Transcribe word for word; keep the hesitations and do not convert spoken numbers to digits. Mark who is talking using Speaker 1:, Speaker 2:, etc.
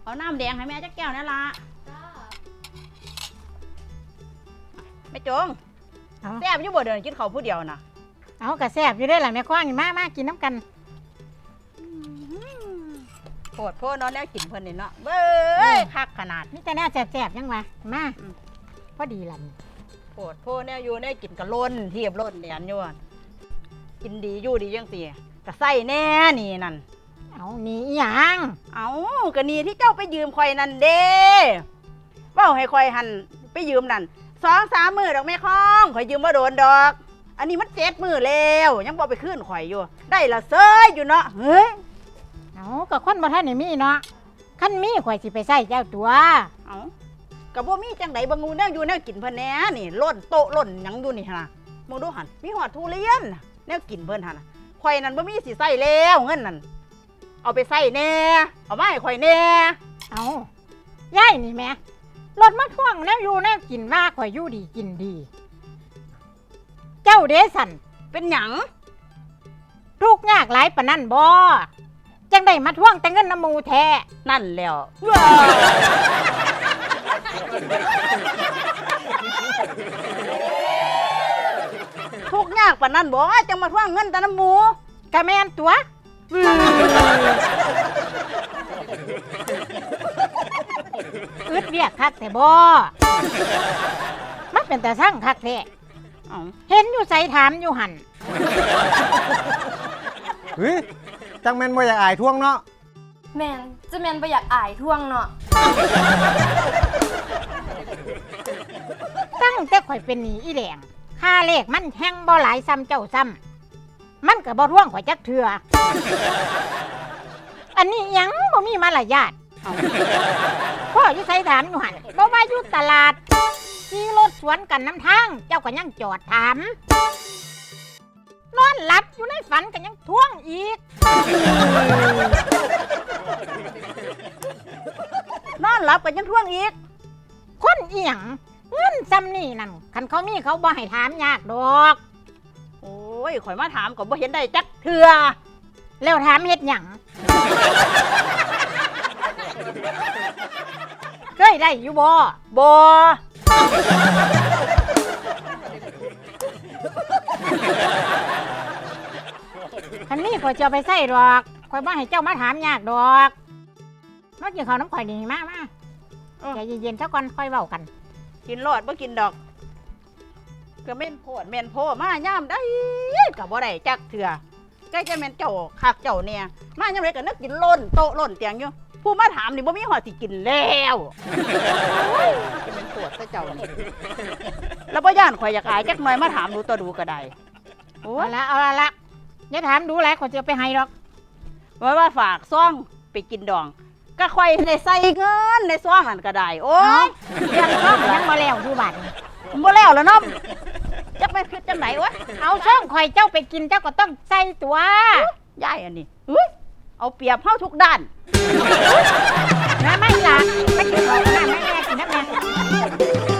Speaker 1: เอาน้ำแดงให้แม่จักแก้วนั่นละแม่จงแซ่บอยู่บ่เดินกินข้าวผู้เดียวน่ะ
Speaker 2: เอากระแซ่บอยู่ได้หล่ะแม่คว้างมามากินน้ำกัน
Speaker 1: โคตรโพนอนแล้วกินเพิ่นนี่เนาะเบ้ยคักขนาด
Speaker 2: นี่แต่แน่แซ่บๆยังวะมาพอดีล่ะ
Speaker 1: โคตรโพแนวอยู่แนวกินกะล้นเทียบล้นเดียนอยู่กินดีอยู่ดีจังซี่กะใส่แน่นี่นั่น
Speaker 2: เอานี่อีหยัง
Speaker 1: เอากะนี่ที่เจ้าไปยืมข่อยนั่นเด้เว้าให้ข่อยหันไปยืมนั่นสองสามมื้อดอกแม่ค้องข่อยยืมบ่โดนดอกอันนี้มันเจ็ดมื้อแล้วยังบ่ไปคืนข่อยอยู่ได้ละเซยอยู่เนาะเฮ้ย
Speaker 2: เอาก็คนบ่ทันได้มีเนาะคันมีข่อยสิไปใส่เจ้าตัว
Speaker 1: เอาก็บ่มีจังไดบ่งูแนวอยู่แนวกินเพิ่นแหน่นี่ล้นโต๊ะล้นหยังอยู่นี่หั่นน่ะมึงดูหั่นมีหอดทุเรียนแนวกินเพิ่นหั่นน่ะข่อยนั่นบ่มีสิใส่แล้วเงินนั่นเอาไปใส่แน่เอามาให้ข่อยแน่
Speaker 2: เอายายนี่แม่รถมาท่วงแนวอยู่แนวกินว่าข่อยอยู่ดีกินดีเจ้าเดสัน
Speaker 1: เป็นหยัง
Speaker 2: ทุกข์ยากหลายปานนั้นบ่จังได้มาท่วงแต่เงินน้ำมูแท้
Speaker 1: นั่นแล้วทุกข์ยากปานนั้นบ่จังมาท่วงเงินแต่น้ำหมู
Speaker 2: กะแม่นตัวอึดเวียกคักแต่บ่มันเป็นแต่สั่งคักแท้เห็นอยู่ใส่ถามอยู่หัน
Speaker 3: เฮ้ยจังแม่นบ่อยากอายท่วงเนาะ
Speaker 4: แม่นจะแม่นบ่อยากอายท่วงเนาะ
Speaker 2: ตั้งแต่ข่อยเป็นหนี้อีแหลงค่าเลขมันแห้งบ่หลายซ้ำเจ้าซ้ำมันก็บ่ท่วงข่อยจักเทื่ออันนี้ยังบ่มีมารยาทพ่ออยู่ใส่ถามอยู่หันบ่ว่าอยู่ตลาดขี่รถสวนกันน้ำทางเจ้าก็ยังจอดถามนอนหลับอยู่ในฝันก็ยังท่วงอีก
Speaker 1: นอนหลับก็ยังท่วงอีก
Speaker 2: คนเอียงเงินซ้ำนี่นั่นคันเขามีเขาบ่ให้ถามยากดอก
Speaker 1: โอ้ยข่อยมาถามก็บ่เห็นได้จักเทื่อ
Speaker 2: แล้วถามเฮ็ดหยังเคยได้อยู่บ่
Speaker 1: บ่
Speaker 2: คันนี้ข่อยจะไปใส่ดอกข่อยบ่ให้เจ้ามาถามยากดอกมากินข้าวน้ำข่อยนี่มามาใจเย็นๆซะก่อนค่อยเว้ากัน
Speaker 1: กินรอดบ่กินดอกก็แม่นโพดแม่นโพมาย่ามได้ก็บ่ได้จักเทื่อใกล้จะแม่นเจ้าคักเจ้าเนี่ยมาย่ามไรก็นึกกินล้นโต๊ะล้นเตียงอยู่ผู้มาถามนี่บ่มีหอดสิกินแล้วจะเป็นโพดซะเจ้านี่แล้วบ่ย่านข่อยอยากอายจักหน่อยมาถามดูตัวดูก็ได้
Speaker 2: โอ้ละเอาละละอย่าถามดูแลข่อยจะไปให้ดอก
Speaker 1: ว่าว่าฝากซ่องไปกินดองก็ข่อยในใส่เงินในซ่องนั่นก็ได้โอ้ย
Speaker 2: เรื่องซ่องยังบ่แล้วอยู่บัด
Speaker 1: บ่แล้วแล้วน้องจะไปคือจังไหนวะ
Speaker 2: เอาซ่องข่อยเจ้าไปกินเจ้าก็ต้องใส่ตัวย
Speaker 1: ายอันนี้เอาเปรียบเฮาทุกด้าน
Speaker 2: นะไม่ล่ะไม่กินของน้ำไม่แม่กินน้ำแม่